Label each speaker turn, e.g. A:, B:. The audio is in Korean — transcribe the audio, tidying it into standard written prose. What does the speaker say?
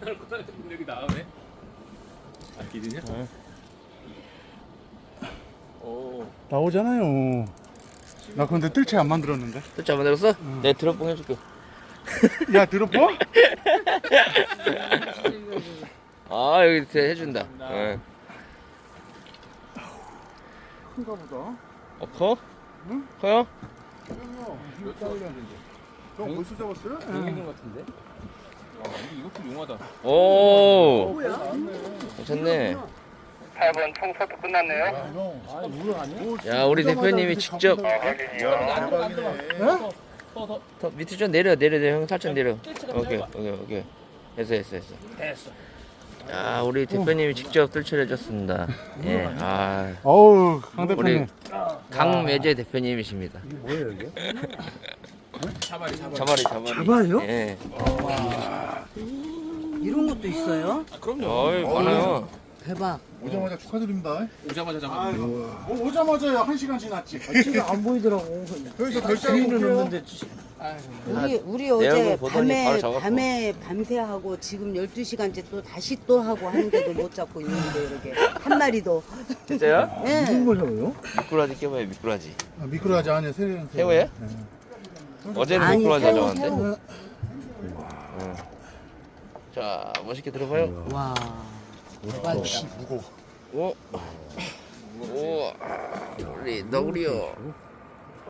A: 여기 나오네. 아 기준이야?
B: 응.
A: 오.
C: 나오잖아요. 나 근데 뜰채 안 만들었는데.
B: 뜰채 안 만들었어? 내 드롭봉 해줄게.
C: 야 들어봐?
B: 아 여기 이렇게 해준다. 응.
C: 큰가 보다.
B: 커?
C: 응?
B: 커요?
C: 몇 달이나 된대. 너 벌써 잡았어요?
A: 용인 같은데? 아 근데 이것도 용하다.
B: 오. 괜찮네.
D: 8번 청소도 끝났네요.
A: 아 우럭 아니야?
B: 야 우리 대표님이 직접 더 밑에 좀 내려 형 살짝 내려. 오케이. 됐어.
A: 됐어.
B: 야 우리 대표님이 직접 뜰채를 해줬습니다. 예. 아
C: 어우 강
B: 우리
C: 대표님.
B: 강매제 대표님이십니다.
A: 자발이.
E: 잡아요?
B: 예.
E: 이런 것도 있어요?
A: 아 그럼요.
B: 어이 많아요.
E: 대박.
C: 오자마자 축하드립니다.
A: 오자마자 잡아.
C: 오자마자 1시간 지났지.
E: 지금 안 보이더라고.
C: 여기서 결제하고
E: 주인은
C: 올게요.
E: 없는데
F: 우리
B: 내
F: 어제
B: 얼굴 보더니 바로 잡았고.
F: 밤에 밤새 하고 지금 12시간째 또 다시 또 하고 하는데도 못 잡고 있는데 이렇게 한 마리도.
B: 진짜요?
F: 예.
E: 무슨 걸 잡아요?
B: 미꾸라지 깨봐요 미꾸라지.
C: 미끄러지 아니야 새우.
B: 새우예요? 어제는
F: 아니,
B: 미꾸라지
F: 새우,
B: 가져왔는데. 자 멋있게 들어봐요.
F: 와.
C: 무거워.
B: 오. 우리 너구리요.